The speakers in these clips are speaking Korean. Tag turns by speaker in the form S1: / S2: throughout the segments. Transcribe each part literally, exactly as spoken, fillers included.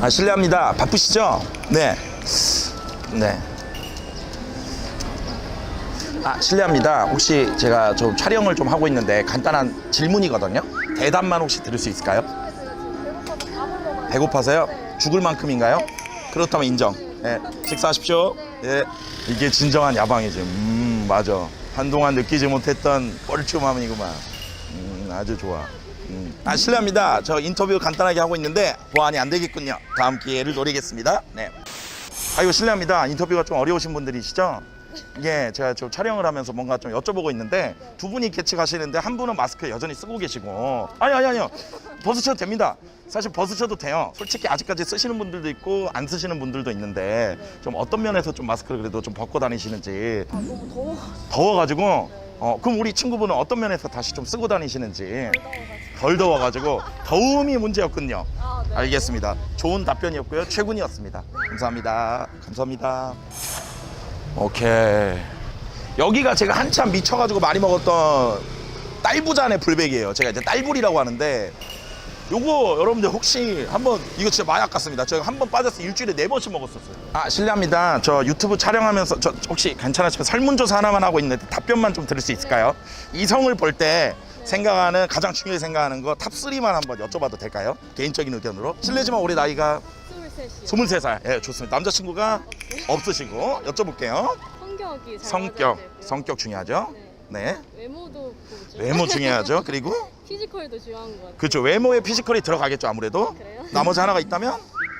S1: 아, 실례합니다. 바쁘시죠? 네. 네. 아, 실례합니다. 혹시 제가 좀 촬영을 좀 하고 있는데 간단한 질문이거든요. 대답만 혹시 들을 수 있을까요? 배고파서요? 죽을 만큼인가요? 그렇다면 인정. 네. 식사하십시오. 네. 이게 진정한 야방이지. 음, 맞아. 한동안 느끼지 못했던 뻘쭘함이구만. 음, 아주 좋아. 음. 아, 실례합니다. 저 인터뷰 간단하게 하고 있는데 보안이 안 되겠군요. 다음 기회를 노리겠습니다. 네. 아이고, 실례합니다. 인터뷰가 좀 어려우신 분들이시죠? 예, 제가 좀 촬영을 하면서 뭔가 좀 여쭤보고 있는데 두 분이 같이 가시는데 한 분은 마스크 여전히 쓰고 계시고 아니 아니 아니요 벗으셔도 됩니다. 사실 벗으셔도 돼요. 솔직히 아직까지 쓰시는 분들도 있고 안 쓰시는 분들도 있는데 좀 어떤 면에서 좀 마스크를 그래도 좀 벗고 다니시는지.
S2: 아, 너무 더워.
S1: 더워가지고 어 그럼 우리 친구분은 어떤 면에서 다시 좀 쓰고 다니시는지. 덜 더워가지고 더움이 문제였군요.
S2: 아, 네.
S1: 알겠습니다. 좋은 답변이었고요. 최군이었습니다. 감사합니다. 감사합니다. 오케이. 여기가 제가 한참 미쳐가지고 많이 먹었던 딸부잔의 불백이에요. 제가 이제 딸불이라고 하는데 요거 여러분들 혹시 한번 이거 진짜 마약 같습니다. 제가 한 번 빠져서 일주일에 네 번씩 먹었었어요. 아, 실례합니다. 저 유튜브 촬영하면서 저 혹시 괜찮으시면 설문조사 하나만 하고 있는데 답변만 좀 들을 수 있을까요? 이성을 볼 때 생각하는 가장 중요하게 생각하는 거 탑삼만 한번 여쭤봐도 될까요? 개인적인 의견으로. 실례지만 올해 나이가
S2: 스물셋이요.
S1: 스물세 살. 예, 좋습니다. 남자친구가 없으시고 여쭤볼게요.
S2: 성격이 잘
S1: 성격,
S2: 맞아야 되고요.
S1: 성격 중요하죠?
S2: 네.
S1: 네.
S2: 외모도 보죠.
S1: 외모 중요하죠. 그리고
S2: 피지컬도 중요한 것 같아요.
S1: 그렇죠. 외모에 피지컬이 들어가겠죠, 아무래도.
S2: 그래요?
S1: 나머지 하나가 있다면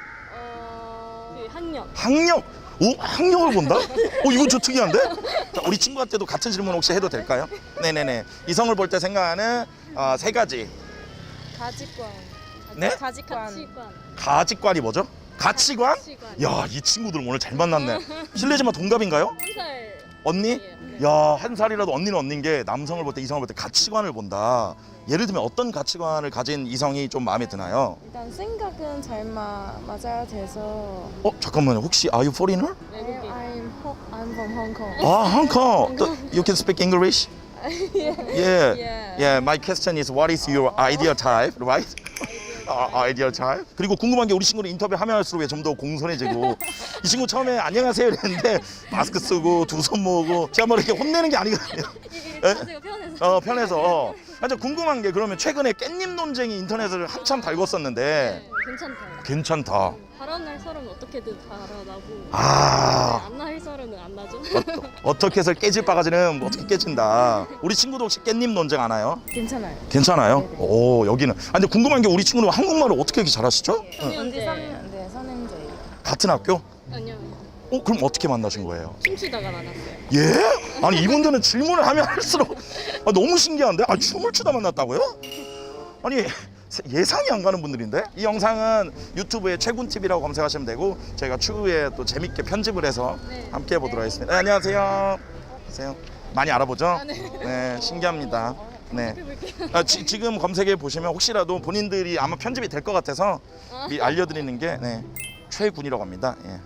S2: 어... 그 학력.
S1: 학력. 오, 학력을 본다? 어, 이건 좀 특이한데? 자, 우리 친구한테도 같은 질문 혹시 해도 될까요? 네네네. 이성을 볼 때 생각하는 어, 세 가지.
S2: 가치관.
S1: 네?
S2: 가치관. 가치관.
S1: 가치관이 뭐죠? 가치관?
S2: 가치관.
S1: 야, 이 친구들 오늘 잘 만났네. 실례지만 동갑인가요?
S2: 한 살.
S1: 언니?
S2: 네.
S1: 야, 한 살이라도 언니는 언니인 게 남성을 볼 때 이성을 볼 때 가치관을 본다. 예를 들면 어떤 가치관을 가진 이성이 좀 마음에 드나요?
S3: 일단 생각은 잘 마, 맞아야 돼서.
S1: 어, 잠깐만요. 혹시 are you foreigner?
S2: 외국인.
S3: I'm, ho- I'm from Hong Kong.
S1: 아, Hong Kong. The- You can speak English?
S3: yeah.
S1: Yeah.
S2: Yeah.
S1: Yeah, my question is what is your ideal type, right? 아, 아이디어 잘. 그리고 궁금한 게 우리 친구는 인터뷰 하면 할수록 좀 더 공손해지고 이 친구 처음에 안녕하세요 이랬는데 마스크 쓰고 두 손 모으고 제가 뭐 이렇게 혼내는 게 아니거든요. 에?
S2: 자세가 편해서.
S1: 어, 편해서. 아주 궁금한 게 그러면 최근에 깻잎 논쟁이 인터넷을 한참 달궜었는데
S2: 네, 괜찮다.
S1: 괜찮다.
S2: 발언할 사람은 어떻게든 발언하고.
S1: 아.
S2: 안 날 사람은 안 나죠.
S1: 어, 어떻게 해서 깨질 바가지는 뭐 어떻게 깨진다. 우리 친구도 혹시 깻잎 논쟁 안 해요?
S3: 괜찮아요.
S1: 괜찮아요?
S3: 네네.
S1: 오, 여기는. 아, 근데 궁금한 게 우리 친구는 한국말을 어떻게 이렇게 잘하시죠?
S2: 현재.
S3: 네, 선행제예요.
S1: 같은 학교?
S2: 아니요.
S1: 어, 그럼 어떻게 만나신 거예요?
S2: 춤추다가 만났어요.
S1: 예? 아니 이분들은 질문을 하면 할수록 아, 너무 신기한데? 아, 춤을 추다 만났다고요? 아니 예상이 안 가는 분들인데? 이 영상은 유튜브에 최군티비라고 검색하시면 되고 저희가 추후에 또 재밌게 편집을 해서
S2: 네.
S1: 함께 해보도록 하겠습니다. 네, 안녕하세요. 안녕하세요. 많이 알아보죠?
S2: 아, 네.
S1: 네, 신기합니다. 네.
S2: 해볼게요.
S1: 아, 지, 지금 검색해 보시면 혹시라도 본인들이 아마 편집이 될 것 같아서
S2: 아.
S1: 미 알려드리는 게 네, 최군이라고 합니다. 예.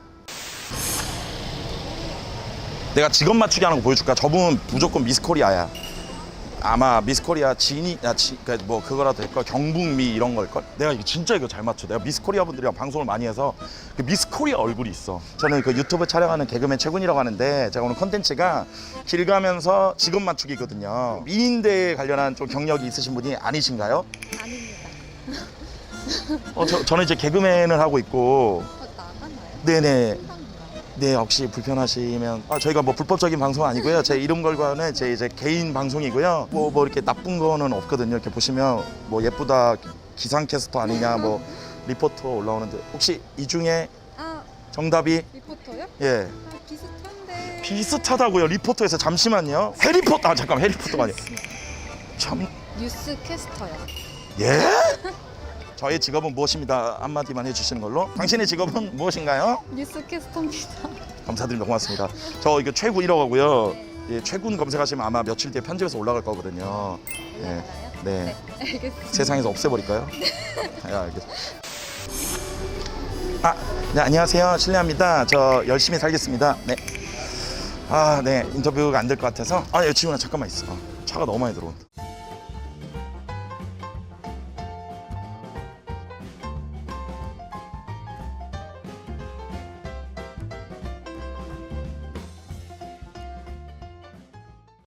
S1: 내가 직업 맞추기 하는 거 보여줄까? 저분 무조건 미스코리아야. 아마 미스코리아 진이 야, 지, 그, 뭐 그거라도 될걸 경북미 이런 걸걸? 내가 이거 진짜 이거 잘 맞춰. 내가 미스코리아 분들이랑 방송을 많이 해서 그 미스코리아 얼굴이 있어. 저는 그 유튜브 촬영하는 개그맨 최군이라고 하는데 제가 오늘 컨텐츠가 길 가면서 직업 맞추기거든요. 미인대에 관련한 좀 경력이 있으신 분이 아니신가요?
S2: 아닙니다.
S1: 어, 저, 저는 이제 개그맨을 하고 있고
S2: 어, 나가나요?
S1: 네네. 네, 혹시 불편하시면 아, 저희가 뭐 불법적인 방송은 아니고요. 제 이름 걸고는 제 이제 개인 방송이고요. 뭐, 뭐 이렇게 나쁜 거는 없거든요. 이렇게 보시면 뭐 예쁘다 기상캐스터 아니냐 뭐 리포터 올라오는데 혹시 이 중에
S3: 아,
S1: 정답이
S3: 리포터요?
S1: 예
S3: 아, 비슷한데.
S1: 비슷하다고요. 리포터에서 잠시만요. 해리포터 아 잠깐 해리포터가 아니에요. 참
S3: 뉴스 캐스터요.
S1: 예? 저의 직업은 무엇입니다. 한마디만 해주시는 걸로. 당신의 직업은 무엇인가요?
S3: 뉴스 캐스터입니다.
S1: 감사드립니다. 고맙습니다. 저 이거 최군이라고 하고요. 예, 최군 검색하시면 아마 며칠 뒤에 편집해서 올라갈 거거든요. 예, 네.
S3: 알겠습니다.
S1: 세상에서 없애버릴까요? 네, 알겠습니다. 아, 네, 안녕하세요. 실례합니다. 저 열심히 살겠습니다. 네. 아, 네. 인터뷰가 안 될 것 같아서. 아, 예, 지훈아 잠깐만 있어. 차가 너무 많이 들어온다.